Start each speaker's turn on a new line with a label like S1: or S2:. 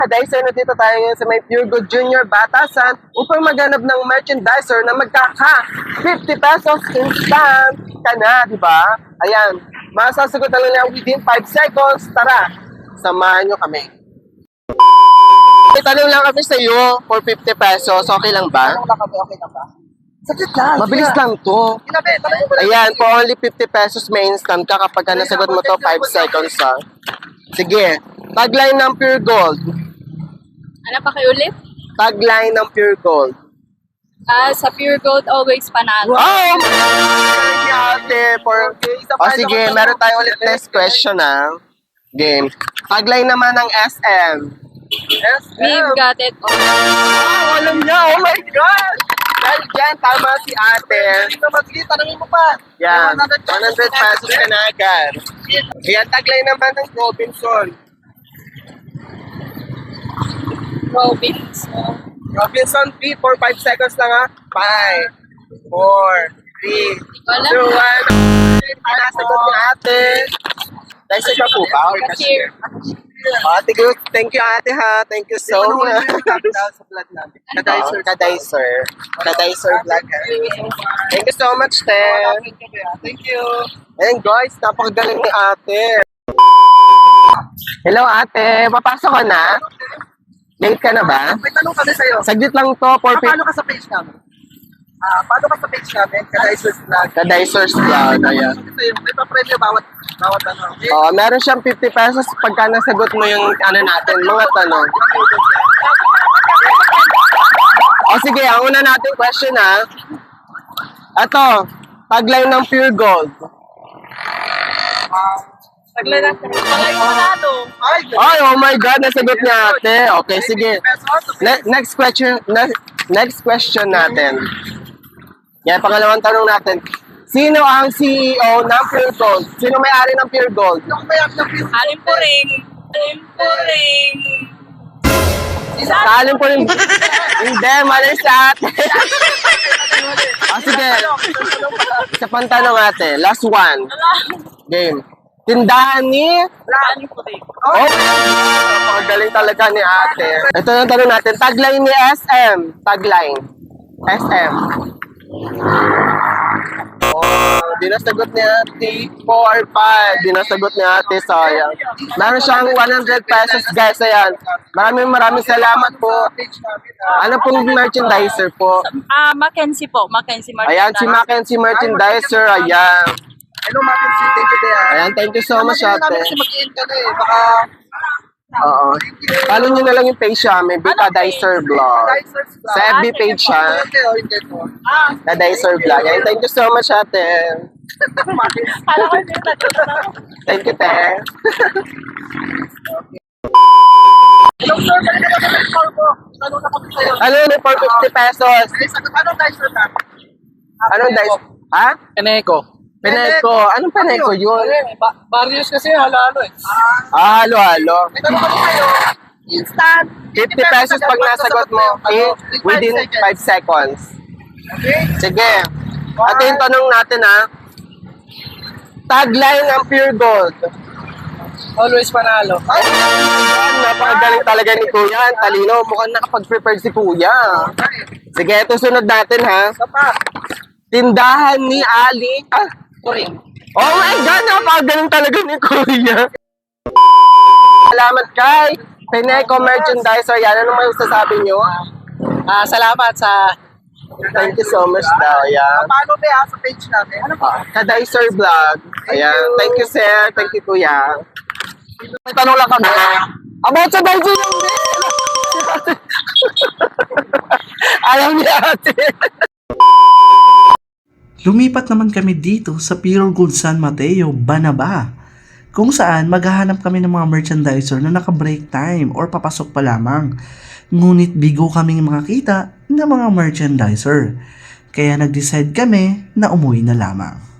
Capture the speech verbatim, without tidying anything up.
S1: Kadicer, na dito tayo ngayon sa may Pure Gold Junior Batasan upang maghanap ng merchandiser na magkaka fifty pesos instant ka na, di ba? Ayan, masasagot na lang yan within five seconds. Tara, samahan nyo kami. May tanong lang kami sa iyo for fifty pesos. Okay lang ba?
S2: Tanong lang kami, okay lang ba? Saglit lang.
S1: Mabilis lang to.
S2: Ginabi, tanongin mo lang.
S1: Ayan, for only fifty pesos may instant ka kapag ka nasagot mo to five seconds ha. Sige, tagline ng Pure Gold.
S3: Ano pa kayo ulit?
S1: Tagline ng Pure Gold.
S3: Ah, sa Pure Gold, always panalo.
S1: Oh! Sige, ate, for... O sige, meron tayo ulit next question ha. Game. Tagline naman ng S M. S M.
S3: We've got it all.
S1: Oh, alam niya, oh my God! Dahil dyan, tama si ate.
S2: Sige, tanongin mo pa.
S1: Yan, one hundred pesos ka na agad. Yan, tagline naman ng Robinson.
S3: Robinson.
S1: Robinson, three, four, five seconds lang ha. five, four, three,
S3: Wala.
S1: two, one. Nasagot ni ate. Dahil sa po ba? Or
S3: Cashier.
S1: Ate, good. Thank you ate ha. Thank you so much.
S2: Sa vlog natin.
S1: Kadicer, Kadicer. Kadicer vlog. Thank you so much, te.
S2: Thank you.
S1: And guys, napakagaling ni ate. Hello ate, papasok ka na? Late ka na ba?
S2: May tanong kami sa'yo.
S1: Saglit lang to for
S2: Ah, paano ka sa page namin? Ah, paano ka sa page namin? Kadicer's vlog.
S1: Kadicer's vlog. Ayan.
S2: Sa'yo, may pa-premyo bawat bawat ano. Okay?
S1: Oh, meron siyang fifty pesos pagka nasagot mo yung ano natin, mga tanong. O sige, ang una natin question ha. Ito, tagline ng Pure Gold.
S3: Tagla natin. Palay panalo.
S2: Ay,
S1: Ay, oh my God, nasagot niya ate. Okay, sige. Ne- next question, ne- next question natin. Yan, pangalawang tanong natin. Sino ang C E O ng Pure Gold? Sino may-ari ng Pure Gold?
S2: Yung may ng Pure
S3: Alim po ring. Alim po ring.
S1: Salim po rin. Hindi, mali sa ate. Ah, sige. Isa pang tanong ate. Last one. Game. Tindahan ni...
S3: Alim po ring.
S1: Oh, napakagaling talaga ni ate. Ito na tanong natin. Tagline ni S M. Tagline. S M. Oh, di nasagot ni ate. four, five. Di nasagot ni ate. Sayang. Meron siyang one hundred pesos guys. Ayan. Maraming maraming salamat po.
S2: page namin.
S1: Ano pong merchandiser po?
S3: Ah, Mackenzie po. Mackenzie Martin.
S1: Ayan, si Mackenzie merchandiser. Ayan.
S2: Hello, Mackenzie. Thank you, Dea.
S1: Ayan, thank you so much
S2: Ano namin
S1: ate.
S2: kasi mag-i-end ka na eh. Baka...
S1: Oo. Follow nyo na lang yung page siya. May Kadicer Vlog.
S2: Kadicer's vlog.
S1: Sa F B page siya.
S2: Hindi, oh, hindi to.
S3: Ah,
S1: Kadicer Vlog. Ayan, thank you so much ate.
S3: kala ko din na.
S1: Thank you, te.
S2: Hello, sir. Balik na naman ang call ko. Tanong na kami sa'yo.
S1: Ano yun for fifty pesos?
S2: Ay, sagot. Anong Dicer ka?
S1: Anong dice? Ha?
S4: Eneco.
S1: Peneco. Anong Peneco yun?
S4: Ba- Barrios kasi halo-halo eh.
S1: Ah, halo-halo.
S2: May tanong kami sa'yo. Instant.
S1: fifty pesos pag nasagot mo eh, within five seconds.
S2: Okay?
S1: Sige. At yung tanong natin ha. Tagline ng Pure Gold.
S4: Always panalo.
S1: Ay, napakagaling talaga ni Kuya. Ang talino. Mukhang nakapag-prepare si Kuya. Sige, ito sunod natin ha.
S2: Isa pa.
S1: Tindahan ni Ali. Ah,
S4: Turing.
S1: oh my God, napakagaling talaga ni Kuya. Salamat kay Peneco Merchandiser. Yan, ano may sasabi nyo?
S4: Ah, salamat sa
S1: Thank you so much daw. Yan.
S2: Paano ba ah, sa page namin? Ano pa?
S1: Kadicer Vlog. Ayan. Thank you, sir. Thank you, Kuya. May tanong lang kami. About sa Daisy lang din. Alam niya ate.
S5: Lumipat naman kami dito sa Pure Gold San Mateo, Banaba, kung saan maghahanap kami ng mga merchandiser na naka-break time or papasok pa lamang. Ngunit bigo kaming makakita ng mga merchandiser. Kaya nag-decide kami na umuwi na lamang.